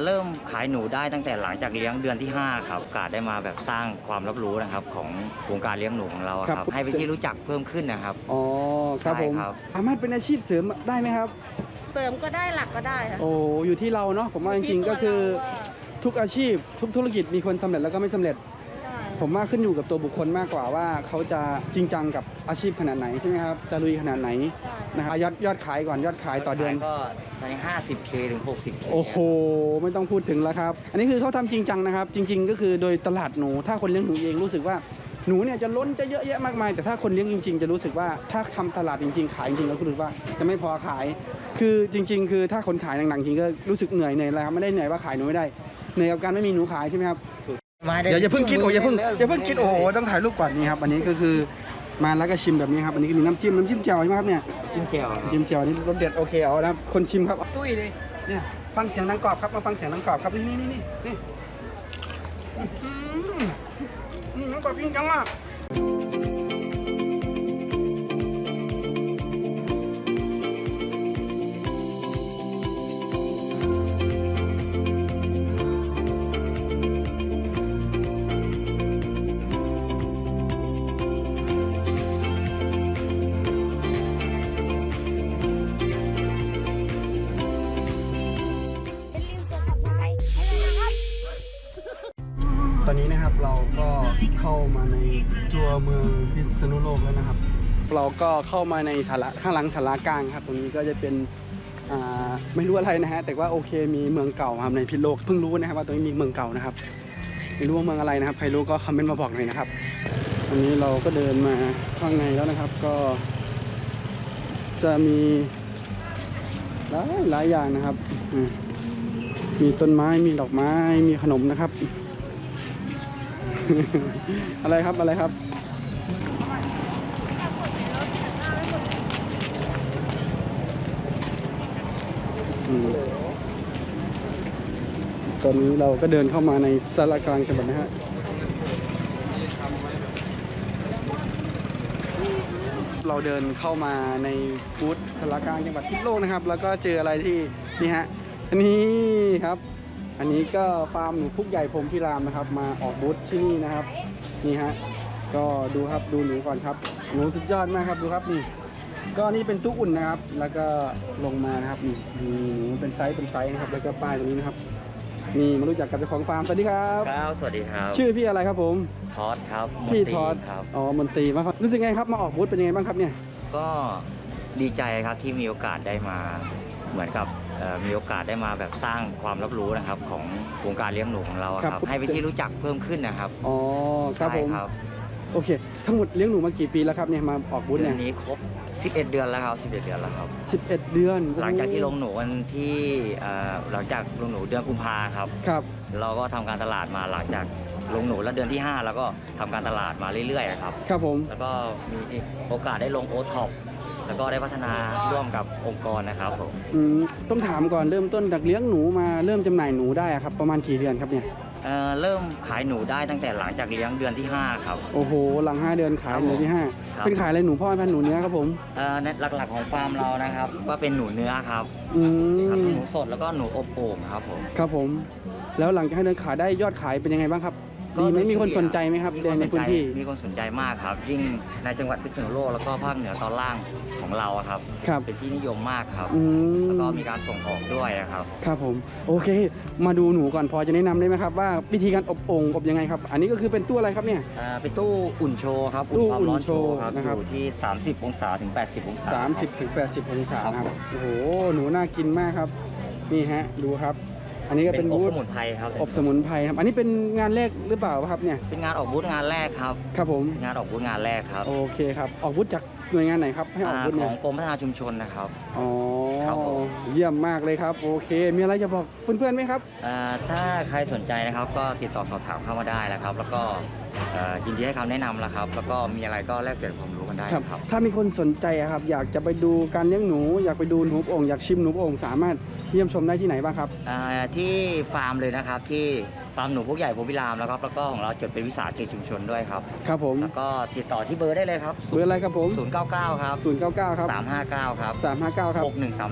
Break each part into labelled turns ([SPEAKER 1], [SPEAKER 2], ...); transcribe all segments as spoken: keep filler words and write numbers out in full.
[SPEAKER 1] เริ่มขายหนูได้ตั้งแต่หลังจากเลี้ยงเดือนที่ห้าครับกาได้มาแบบสร้างความรับรู้นะครับของวงการเลี้ยงหนูของเราครับให้เป็นที่รู้จักเพิ่มขึ้นนะครับ
[SPEAKER 2] อ๋อครับผมสามารถเป็นอาชีพเสริมได้ไหมครับ
[SPEAKER 3] เสริมก็ได้หลักก็ได้ค่ะ
[SPEAKER 2] โอ้อยู่ที่เราเนาะผมว่าจริงๆก็คือทุกอาชีพทุกธุรกิจมีคนสำเร็จแล้วก็ไม่สำเร็จผมว่าขึ้นอยู่กับตัวบุคคลมากกว่าว่าเขาจะจริงจังกับอาชีพขนาดไหนใช่ไหมครับจะลุยขนาดไหนนะครับยอดยอดขายก่อนยอดขายต่อเดือน
[SPEAKER 1] ก็ใช้ ห้าสิบเค ถึง หกสิบเค
[SPEAKER 2] โอ้โหไม่ต้องพูดถึงแล้วครับอันนี้คือเขาทำจริงจังนะครับจริงๆก็คือโดยตลาดหนูถ้าคนเลี้ยงหนูเองรู้สึกว่าหนูเนี่ยจะล้นจะเยอะแยะมากมายแต่ถ้าคนเลี้ยงจริงๆจะรู้สึกว่าถ้าทำตลาดจริงๆขายจริงๆแล้วรู้สึกว่าจะไม่พอขายคือจริงๆคือถ้าคนขายหนังๆจริงก็รู้สึกเหนื่อยเหนื่อยแล้วครับไม่ได้เหนื่อยว่าขายหนูไม่ได้เหนื่อยกับการไม่มีหนูขายใช่ไหมครับเดี๋ยวอย่าเพิ่งคิดโอ้อย่าเพิ่งอย่าเพิ่งคิดโอ้โหต้องถ่ายรูปก่อนนี่ครับอันนี้ก็คือมาแล้วก็ชิมแบบนี้ครับอันนี้ก็มีน้ำจิ้มน้ำจิ้มแจ่วใช่ไหมครับเนี่ย
[SPEAKER 1] จิ้มแจ่ว
[SPEAKER 2] จิ้มแจ่วนี่รสเด็ดโอเคเอานะคนชิมครับตุ้ยเลยเนี่ยฟังเสียงนังกรอบครับมาฟังเสียงนังกรอบครับนี่นี่นี่นี่นี่นังกรอบจริงจังมากตอนนี้นะครับเราก็เข้ามาในตัวเมืองพิษณุโลกแล้วนะครับเราก็เข้ามาในศาลาข้างหลังศาลากลางครับตรงนี้ก็จะเป็นอ่าไม่รู้อะไรนะฮะแต่ว่าโอเคมีเมืองเก่าครับในพิษณุโลกเพิ่งรู้นะครับว่าตรงนี้มีเมืองเก่านะครับไม่รู้ว่าเมืองอะไรนะครับใครรู้ก็คอมเมนต์มาบอกหน่อยนะครับวันนี้เราก็เดินมาข้างในแล้วนะครับก็จะมีหลายหลายอย่างนะครับมีต้นไม้มีดอกไม้มีขนมนะครับอะไรครับอะไรครับตอนนี้เราก็เดินเข้ามาในศาลากลางจังหวัดนะฮะเราเดินเข้ามาในบูธศาลากลางจังหวัดพิษณุโลกนะครับแล้วก็เจออะไรที่นี่ฮะอันนี้ครับอันนี้ก็ฟาร์มหนูพุกใหญ่พรหมพิรามนะครับมาออกบูธที่นี่นะครับนี่ฮะก็ดูครับดูหนูก่อนครับหนูสุดยอดมากครับดูครับนี่ก็นี่เป็นตู้อุ่นนะครับแล้วก็ลงมานะครับนี่นี่หนูเป็นไซส์เป็นไซส์นะครับแล้วก็ป้ายตรงนี้นะครับนี่มารู้จักกับเจ้าของฟาร์มสวัสดีครับ
[SPEAKER 1] ครับสวัสดีครับ
[SPEAKER 2] ชื่อพี่อะไรครับผม
[SPEAKER 1] ทอดครับ
[SPEAKER 2] พี่ทอดครับอ๋อมนตรีมาครับรู้สึกไงครับมาออกบูธเป็นยังไงบ้างครับเนี่ย
[SPEAKER 1] ก็ดีใจครับที่มีโอกาสได้มาเหมือนกับมีโอกาสได้มาแบบสร้างความรับรู้นะครับของวงการเลี้ยงหนูของเราครับให้เป็นที่รู้จักเพิ่มขึ้นนะครับ
[SPEAKER 2] อ๋อครับผมโอเคทั้งหมดเลี้ยงหนูมากี่ปีแล้วครับเนี่ยมาออกบูธเนี่ย
[SPEAKER 1] นี้ครบสิบเอ็ดเดือนแล้วครับสิบเอ็ดเดือนแล้วครับ
[SPEAKER 2] สิบเอ็ดเดือน
[SPEAKER 1] หลังจากที่ลงหนูวันที่หลังจากลงหนูเดือนกุมภาครับ
[SPEAKER 2] ครับ
[SPEAKER 1] เราก็ทำการตลาดมาหลังจากลงหนูแล้วเดือนที่ห้าแล้วก็ทำการตลาดมาเรื่อยๆครับ
[SPEAKER 2] ครับผม
[SPEAKER 1] แล้วก็มีโอกาสได้ลงโอท็อปแล้วก็ได้พัฒนาร่วมกับองค์กรนะครับผม
[SPEAKER 2] ต้องถามก่อนเริ่มต้นจากเลี้ยงหนูมาเริ่มจำหน่ายหนูได้ครับประมาณกี่เดือนครับเนี่ย
[SPEAKER 1] เอ่อเริ่มขายหนูได้ตั้งแต่หลังจากเลี้ยงเดือนที่ห้าครับ
[SPEAKER 2] โอ้โหหลังห้าเดือนขายเดือนที่ห้าเป็นขายอะไรหนูพ่อพันธุ์หนูเนื้อครับผม
[SPEAKER 1] เอ่อหลักๆของฟาร์มเรานะครับว่าเป็นหนูเนื้อครับ
[SPEAKER 2] อืม
[SPEAKER 1] หนูสดแล้วก็หนูอบโอ่งครับผม
[SPEAKER 2] ครับผมแล้วหลังจากห้าเดือนขายได้ยอดขายเป็นยังไงบ้างครับดีไหมมีคนสนใจไหมครับในพื้นที่
[SPEAKER 1] มีคนสนใจมากครับยิ่งในจังหวัดพิษณุโลกแล้วก็ภาคเหนือตอนล่างของเราครับเป็นที่นิยมมากครับแล้วก็มีการส่งออกด้วยครับ
[SPEAKER 2] ครับผมโอเคมาดูหนูก่อนพอจะแนะนำได้ไหมครับว่าวิธีการอบโอ่งอบยังไงครับอันนี้ก็คือเป็นตู้อะไรครับเนี่ย
[SPEAKER 1] เป็นตู้อุ่นโชว์ครับ
[SPEAKER 2] ตู้อุ่นโชว์นะครับ
[SPEAKER 1] อยู่ที่สามสิบองศาถึงแปดสิบองศา
[SPEAKER 2] สามสิบถึงแปดสิบองศาครับโอ้โหหนูน่ากินมากครับนี่ฮะดูครับอันนี้ก็เป็น
[SPEAKER 1] อบสมุนไพรครับ
[SPEAKER 2] อบสมุนไพรครับอันนี้เป็นงานแรกหรือเปล่าครับเนี่ย
[SPEAKER 1] เป็นงานออกบูธงานแรกครับ
[SPEAKER 2] ครับผม
[SPEAKER 1] งานออกบูธงานแรกครับ
[SPEAKER 2] โอเคครับออกบูธจากหน่วยงานไหนครับให้ออกบูธ
[SPEAKER 1] ของกรมพัฒนาชุมชนนะครับ
[SPEAKER 2] อ๋อเยี่ยมมากเลยครับโอเคมีอะไรจะบอกเพื่อนๆไหมครับ
[SPEAKER 1] ถ้าใครสนใจนะครับก็ติดต่อสอบถามเข้ามาได้นะครับแล้วก็ยินดีให้คำแนะนำแล้วครับแล้วก็มีอะไรก็แลกเปลี่ยนความรู้กันได้ครับ
[SPEAKER 2] ถ้ามีคนสนใจครับอยากจะไปดูการเลี้ยงหนูอยากไปดูหนูโอ่งอยากชิมหนูโอ่งสามารถเยี่ยมชมได้ที่ไหนบ้างครับ
[SPEAKER 1] ที่ฟาร์มเลยนะครับที่ฟาร์มหนูพวกใหญ่พรหมพิรามแล้วครับแล้วก็ของเราจดเป็นวิสาหกิจชุมชนด้วยครับ
[SPEAKER 2] ครับผม
[SPEAKER 1] แล้วก็ติดต่อที่เบอร์ได้เลยครับ
[SPEAKER 2] เบอร์อะไรครับผม
[SPEAKER 1] ศูนย์เก้าเก้าครับ
[SPEAKER 2] ศูนย์เก้าเก้าครับ
[SPEAKER 1] สามห้าเก้าครับ
[SPEAKER 2] สามห้าเก้าครับ
[SPEAKER 1] หกหนึ่งสามหนึ่ง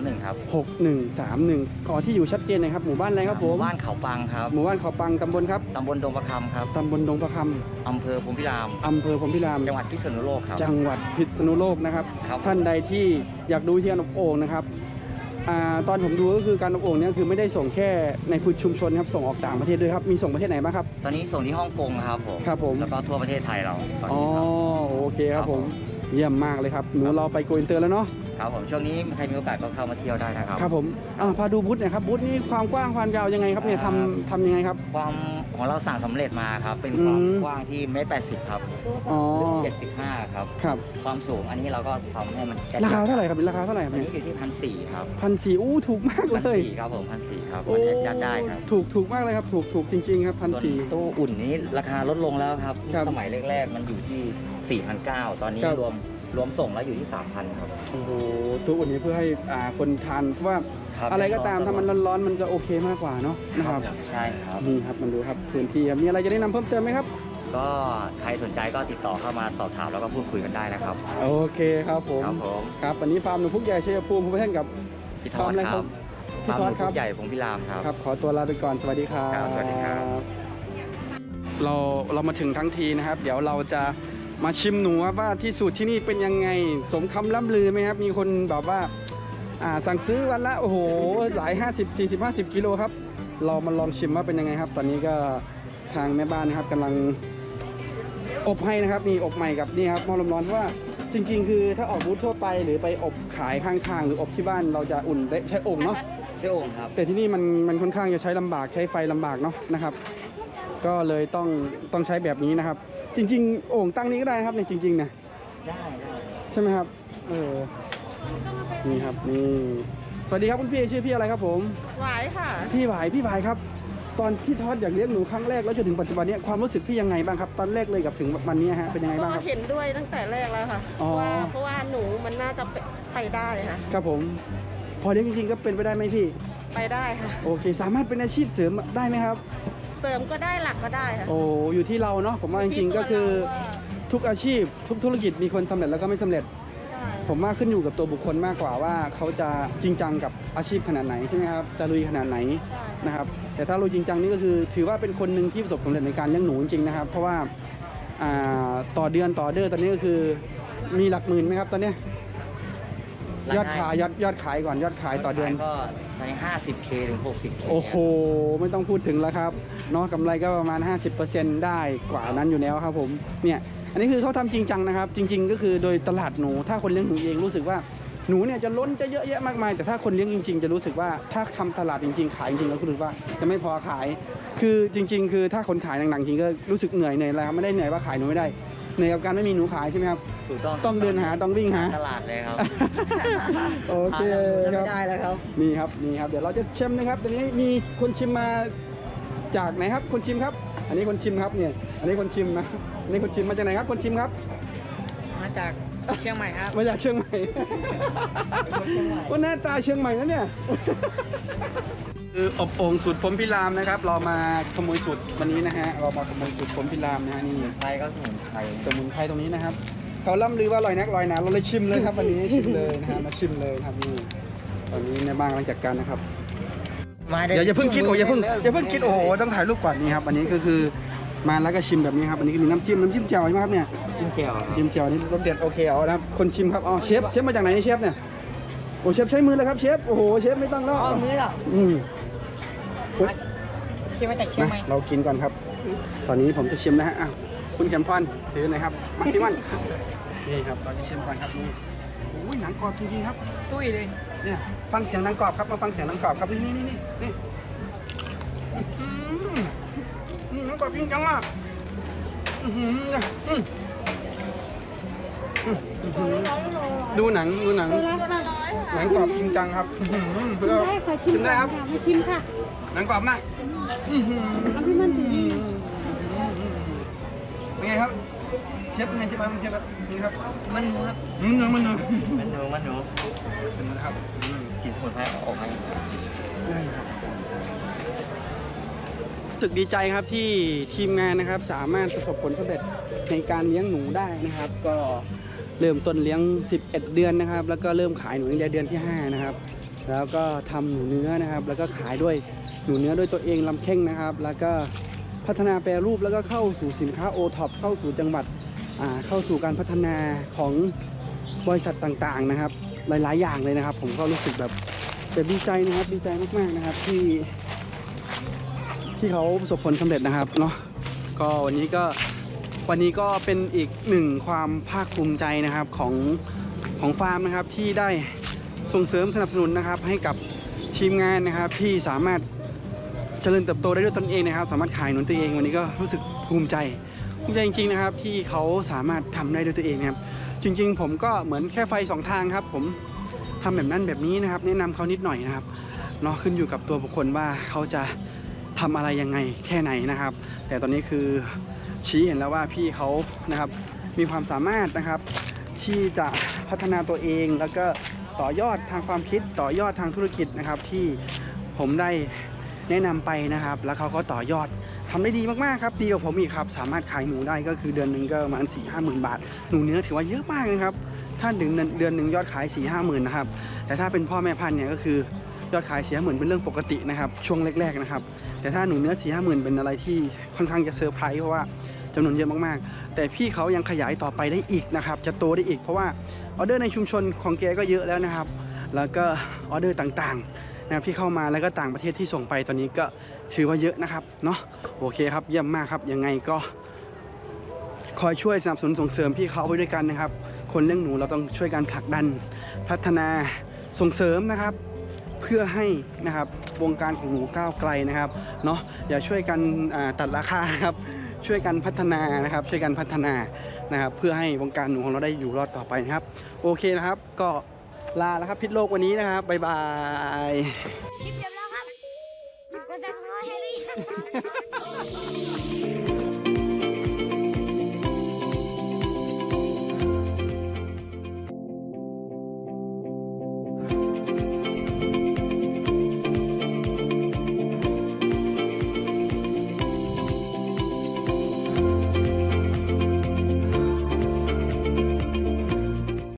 [SPEAKER 1] หนึ่งครับ
[SPEAKER 2] หกหนึ่งสามหนึ่งขอที่อยู่ชัดเจนหน่อยครับหมู่บ้านอะไรครับผม
[SPEAKER 1] บ้านเขาปังครับ
[SPEAKER 2] หมู่บ้านเขาปังตำบลครับ
[SPEAKER 1] ตำบลดงประคำครับ
[SPEAKER 2] ตำบลดงประค
[SPEAKER 1] อำเภอภูมิพิราม
[SPEAKER 2] ำอำเภอพรหมพิราม
[SPEAKER 1] จังหวัดพิษณุโลกครับ
[SPEAKER 2] จังหวัดพิษณุโลกนะครับ
[SPEAKER 1] ครับ
[SPEAKER 2] ท่านใดที่อยากดูที่การอบโอ่งนะครับอ่าตอนผมดูก็คือการอบโอ่งเนี่ยคือไม่ได้ส่งแค่ในพื้นชุมชนครับส่งออกต่างประเทศด้วยครับมีส่งประเทศไหนบ้างครับ
[SPEAKER 1] ตอนนี้ส่งที่ฮ่องกงครับผม
[SPEAKER 2] ครับผม
[SPEAKER 1] แล้วก็ทั่วประเทศไทยเราตอน
[SPEAKER 2] อ๋อ
[SPEAKER 1] นี้ครับ
[SPEAKER 2] โอเคครับ
[SPEAKER 1] ครับ
[SPEAKER 2] ผ
[SPEAKER 1] ผม ม
[SPEAKER 2] เยี่ยมมากเลยครับหนูเราไปโกอินเตอร์แล้วเนาะ
[SPEAKER 1] ครับผมช่วงนี้ใครมีโอกาสก็เข้ามาเที่ยวได้นะครับ
[SPEAKER 2] ครับผมอ่าพาดูบูธหน่อยครับบูธนี่ความกว้างความยาวยังไงครับเนี่ย
[SPEAKER 1] อ่า
[SPEAKER 2] ทำทำยังไงครับ
[SPEAKER 1] ความของเราสั่งสำเร็จมาครับ เป็นความ
[SPEAKER 2] อืม
[SPEAKER 1] กว้างที่เมตรแปดสิบครับ
[SPEAKER 2] อ๋อ
[SPEAKER 1] เจ็ดสิบห้าครับ
[SPEAKER 2] ครับ
[SPEAKER 1] ความสูงอันนี้เราก็ทำให้มันแ
[SPEAKER 2] ราคาเท่าไหร่ครับราคาเท่าไหร่ครับ
[SPEAKER 1] อัน
[SPEAKER 2] เนี่ย
[SPEAKER 1] นี้อยู่ที่พันสี่ครับ
[SPEAKER 2] พันสี่อู้ถูกมาก
[SPEAKER 1] พัน
[SPEAKER 2] เลย
[SPEAKER 1] สี่ครับผมพันสี่ครับ
[SPEAKER 2] โอ้
[SPEAKER 1] วันนี้จัดได้ครับ
[SPEAKER 2] ถูกถูกมากเลยครับถูกถูกจริงๆครับพัน
[SPEAKER 1] ส่วน
[SPEAKER 2] สี่
[SPEAKER 1] ตู้อุ่นนี้ราคาลดลงแล้วครับ
[SPEAKER 2] ครับ
[SPEAKER 1] สมัยแรกๆมันอยู่ที่สี่พันเก้าตอนนี้
[SPEAKER 2] ครับ
[SPEAKER 1] รวมรวมส่งแล้วอยู่ที่สามพันครับ
[SPEAKER 2] โอ้โหตัวอุ่นนี้เพื่อให้อ่าคนทานเพราะว่า
[SPEAKER 1] ครับ
[SPEAKER 2] อะไรก็ตามถ้ามันร้อนๆมันจะโอเคมากกว่าเนาะนะครับ
[SPEAKER 1] ใช่ครับ
[SPEAKER 2] นี่ครับมันดูครับพื้นที่ครับมีอะไรจะแนะนำเพิ่มเติมไหมครับ
[SPEAKER 1] ก็ใครสนใจก็ติดต่อเข้ามาสอบถามแล้วก็พูดคุยกันได้นะครับ
[SPEAKER 2] โอเคครับผม
[SPEAKER 1] ครับผม
[SPEAKER 2] ครับวันนี้ฟาร์มหนูพุกใหญ่ชัยภูมิภูมิเทนกับ
[SPEAKER 1] พี่ท
[SPEAKER 2] ฟา
[SPEAKER 1] อ
[SPEAKER 2] ร์ม
[SPEAKER 1] ด
[SPEAKER 2] อะไร
[SPEAKER 1] ค
[SPEAKER 2] ครั
[SPEAKER 1] รั
[SPEAKER 2] บบ พี่
[SPEAKER 1] ฟาร์ม
[SPEAKER 2] ทอด
[SPEAKER 1] หมู
[SPEAKER 2] ครับ
[SPEAKER 1] ใหญ่พงพิรามครับ
[SPEAKER 2] ครับขอตัวลาไปก่อนสวัสดีครับ
[SPEAKER 1] ครับสวัสดีครับ
[SPEAKER 2] เราเรามาถึงทั้งทีนะครับ เดี๋ยวเราจะมาชิมหนูครับว่าที่สูตรที่นี่เป็นยังไงสมคำล่ำลือไหมครับมีคนแบบว่าอ่าสั่งซื้อวันละโอ้โหหลาย ห้าสิบ สี่สิบ ห้าสิบกิโลครับเรามาลองชิมว่าเป็นยังไงครับ ตอนนี้ก็ทางแม่บ้านนะครับกำลังอบให้นะครับมีอบใหม่กับนี่ครับหม้อลมร้อนเพราะว่าจริง ๆ คือถ้าออกบูธทั่วไปหรือไปอบขายข้างๆหรืออบที่บ้านเราจะอุ่นได้ใช้โอ่งเนาะ
[SPEAKER 1] เจ้าโอ่งครับ
[SPEAKER 2] แต่ที่นี่มันมันค่อนข้างจะใช้ลำบากใช้ไฟลำบากเนาะนะครับ ก็เลยต้องต้องใช้แบบนี้นะครับ จริง ๆ โอ่งตั้งนี้ก็ได้นะครับในจริงๆนะ
[SPEAKER 1] ได้ได้
[SPEAKER 2] ใช่ไหมครับเออนี่ครับนี่สวัสดีครับคุณพี่ชื่อพี่อะไรครับผม
[SPEAKER 3] หวายค่ะ
[SPEAKER 2] พี่หวายพี่หวายครับ ตอนพี่ทอดอยากเลี้ยงหนูครั้งแรกแล้วจนถึงปัจจุบันนี้ความรู้สึกพี่ยังไงบ้างครับตอนแรกเลยกับถึงวันนี้ฮะเป็นยังไงบ้างค
[SPEAKER 3] ก็
[SPEAKER 2] รับ
[SPEAKER 3] เห็นด้วยตั้งแต่แรกแล้วค่ะ
[SPEAKER 2] อ๋อ
[SPEAKER 3] ว่าเพราะว่าหนูมันน่าจะไปได้ค่ะ
[SPEAKER 2] ครับผม พอเลี้ยงจริงๆก็เป็นไปได้ไหมพี่
[SPEAKER 3] ไปได้ค่ะ
[SPEAKER 2] โอเค สามารถเป็นอาชีพเสริมได้ไหมครับ
[SPEAKER 3] เสริมก็ได้หลักก็ได้ค่ะ
[SPEAKER 2] โอ้อยู่ที่เราเนาะผมว่าจริงๆก็คือ ทุกอาชีพทุกธุรกิจมีคนสำเร็จแล้วก็ไม่สำเร็จ ผมว่าขึ้นอยู่กับตัวบุคคลมากกว่าว่าเขาจะจริงจังกับอาชีพขนาดไหนใช่ไหมครับจะลุยขนาดไหนนะครับแต่ถ้าลุยจริงจังนี่ก็คือถือว่าเป็นคนหนึ่งที่ประสบความสำเร็จในการเลี้ยงหนูจริงๆนะครับ เพราะว่าอ่าต่อเดือนต่อเดือนตอนนี้ก็คือมีหลักหมื่นไหมครับตอนเนี้ยยอดขายยอดยอดขายก่อนยอดขายต่อเดือน
[SPEAKER 1] ก็ใช้ ห้าสิบเค ถึง หกสิบเค
[SPEAKER 2] โอ้โหไม่ต้องพูดถึงแล้วครับเนาะกำไรก็ประมาณ ห้าสิบเปอร์เซ็นต์ ได้กว่านั้นอยู่แล้วครับผมเนี่ยอันนี้คือเขาทำจริงจังนะครับ จริง ๆ ก็คือโดยตลาดหนูถ้าคนเลี้ยงหนูเองรู้สึกว่าหนูเนี่ยจะล้นจะเยอะแยะมากมายแต่ถ้าคนเลี้ยงจริง ๆ จะรู้สึกว่าถ้าทำตลาดจริง ๆ ขายจริงๆแล้วรู้สึกว่าจะไม่พอขาย คือจริง ๆ คือถ้าคนขายหนังๆจริงก็รู้สึกเหนื่อยเหนื่อยอะไรครับไม่ได้เหนื่อยว่าขายหนูไม่ได้เหนื่อยกับการไม่มีหนูขายใช่ไหมครับ
[SPEAKER 1] ถูกต้อง
[SPEAKER 2] ต้องเดินหาต้องวิ่งหา
[SPEAKER 1] ตลาดเลยครับ
[SPEAKER 2] โอเค
[SPEAKER 1] หา
[SPEAKER 2] ครั
[SPEAKER 1] ไม่
[SPEAKER 2] บ
[SPEAKER 1] ได้แล้วครับ
[SPEAKER 2] นี่ครับนี่ครับเดี๋ยวเราจะชิมนะครับตอนนี้มีคนชิมมาจากไหนครับคนชิมครับ อันนี้คนชิมครับเนี่ยอันนี้คนชิมนะอันนี้คนชิมมาจากไหนครับคนชิมครับ
[SPEAKER 4] มาจากเชียงใหม่ครับ
[SPEAKER 2] มาจากเชียงใหม่ ว่าหน้าตาเชียงใหม่นะเนี่ยคืออบโอ่งสูตรพรหมพิรามนะครับ เรามาขโมยสูตรวันนี้นะฮะเรามาขโมยสูตรพรหมพิรามนะฮะนี่
[SPEAKER 1] ไทยก็สมุนไพร
[SPEAKER 2] สมุนไพรตรงนี้นะครับเขาล่ำลือว่าอร่อยนักอร่อยหนาเราเลยชิมเลยครับวันนี้ชิมเลยนะฮะมาชิมเลยครับนี่ตอนนี้ในบ้านกำลังจัดการนะครับ เดี๋ยวอย่าเพิ่งคิดโอ้อย่าเพิ่งอย่าเพิ่งคิดโอ้โหต้องถ่ายรูปก่อนนี่ครับอันนี้ก็คือมาแล้วก็ชิมแบบนี้ครับอันนี้ก็มีน้ำจิ้มน้ำจิ้มแจ่วใช่ไหมครับเนี่ย
[SPEAKER 1] จิ้มแก้วครับ
[SPEAKER 2] จิ้มแจ่วนี่รสเด็ดโอเคเอานะครับคนชิมครับอ๋อเชฟเชฟมาจากไหนนี่เชฟเนี่ยโอ้เชฟใช้มือเลยครับเชฟโอ้โหเชฟไม่ต้องแล้ว
[SPEAKER 4] อ๋อมือเหรอ
[SPEAKER 2] อืมอุ๊ย
[SPEAKER 4] เชียงมาจากเชียงใหม่
[SPEAKER 2] มาเรากินก่อนครับ ตอนนี้ผมจะชิมนะฮะอ้าวคุณแคมพอนถือหน่อยครับมาที่มันนี่ครับตอนนี้ชิมก่อนครับนี่โอ้ยหนังกรอบจริงๆครับ
[SPEAKER 4] ตุ้ยเลย
[SPEAKER 2] เนี่ยฟังเสียงหนังกรอบครับมาฟังเสียงหนังกรอบครับนี่นี่นี่นี่อืมอืมหนังกรอบจริงจังอ่ะอื้อหือเนี่ยอืมอืมอื้อหือดูหนังดูหนัง
[SPEAKER 3] ตัวละห้าร้อย
[SPEAKER 2] หนังกรอบจริงจังครับอื้อหือ
[SPEAKER 3] ชิมได้ค่ะชิม
[SPEAKER 2] ชิมได้ครับ
[SPEAKER 3] มาชิมค่ะ
[SPEAKER 2] หนังกรอบมากอื้อหือ
[SPEAKER 3] เอาพี่มันถือ
[SPEAKER 2] เป็นไงครับเชฟเป็นไงเชฟครับเชฟครับนี่ครับ
[SPEAKER 4] มันหมูครับ
[SPEAKER 2] อืมมันเนอะ
[SPEAKER 1] มันหนูมันหนู
[SPEAKER 2] เป็นนะครับอืม
[SPEAKER 1] กลิ่นสมุนไพรออกมา
[SPEAKER 2] ได้ครับรู้สึกดีใจครับที่ทีมงานนะครับสามารถประสบผลสำเร็จในการเลี้ยงหนูได้นะครับ ก็เริ่มต้นเลี้ยงสิบเอ็ดเดือนนะครับ แล้วก็เริ่มขายหนูในเดือนที่ห้านะครับแล้วก็ทำหนูเนื้อนะครับ แล้วก็ขายด้วยหนูเนื้อด้วยตัวเองลำเข่งนะครับ แล้วก็พัฒนาแปรรูปแล้วก็เข้าสู่สินค้าโอท็อปเข้าสู่จังหวัดเข้าสู่การพัฒนาของบริษัทต่างๆนะครับหลายๆอย่างเลยนะครับผมก็รู้สึกแบบแบบดีใจนะครับดีใจมากๆนะครับที่ที่เขาประสบผลสำเร็จนะครับเนาะก็วันนี้ก็วันนี้ก็เป็นอีกหนึ่งความภาคภูมิใจนะครับของของฟาร์มนะครับที่ได้ส่งเสริมสนับสนุนนะครับให้กับทีมงานนะครับที่สามารถเจริญเติบโตได้ด้วยตนเองนะครับสามารถขายหนุนตัวเองวันนี้ก็รู้สึกภูมิใจภูมิใจจริงๆนะครับที่เขาสามารถทำได้ด้วยตัวเองนะครับจริงๆผมก็เหมือนแค่ไฟสองทางครับผมทำแบบนั้นแบบนี้นะครับแนะนำเขานิดหน่อยนะครับเนาะขึ้นอยู่กับตัวบุคคลว่าเขาจะทำอะไรยังไงแค่ไหนนะครับแต่ตอนนี้คือชี้เห็นแล้วว่าพี่เขานะครับมีความสามารถนะครับที่จะพัฒนาตัวเองแล้วก็ต่อยอดทางความคิดต่อยอดทางธุรกิจนะครับที่ผมได้แนะนำไปนะครับแล้วเขาก็ต่อยอดทำได้ดีมากๆครับดีกว่าผมอีกครับสามารถขายหมูได้ก็คือเดือนหนึ่งก็ประมาณสี่ห้าหมื่นบาทหนูเนื้อถือว่าเยอะมากนะครับถ้าถึงเดือนหนึ่งยอดขายสี่ห้าหมื่นนะครับแต่ถ้าเป็นพ่อแม่พันธุ์เนี่ยก็คือยอดขายสี่ห้าหมื่นเป็นเรื่องปกตินะครับช่วงแรกๆนะครับแต่ถ้าหนูเนื้อสี่ห้าหมื่นเป็นอะไรที่ค่อนข้างจะเซอร์ไพรส์เพราะว่าจำนวนเยอะมากๆแต่พี่เขายังขยายต่อไปได้อีกนะครับจะโตได้อีกเพราะว่าออเดอร์ในชุมชนของแกก็เยอะแล้วนะครับแล้วก็ออเดอร์ต่างๆนะครับที่เข้ามาแล้วก็ต่างประเทศที่ส่งไปตอนนี้ก็ถือว่าเยอะนะครับเนาะโอเคครับเยี่ยมมากครับยังไงก็คอยช่วยสนับสนุนส่งเสริมพี่เขาไปด้วยกันนะครับคนเลี้ยงหนูเราต้องช่วยกันผลักดันพัฒนาส่งเสริมนะครับเพื่อให้นะครับวงการของหนูก้าวไกลนะครับเนาะอย่าช่วยกันตัดราคาครับช่วยกันพัฒนานะครับช่วยกันพัฒนานะครับเพื่อให้วงการหนูของเราได้อยู่รอดต่อไปนะครับโอเคนะครับก็ลาแล้วครับพิษโลกวันนี้นะครับบ๊ายบาย
[SPEAKER 5] คลิปจบแล้วครับกดซับสไครต์ให้หรือยัง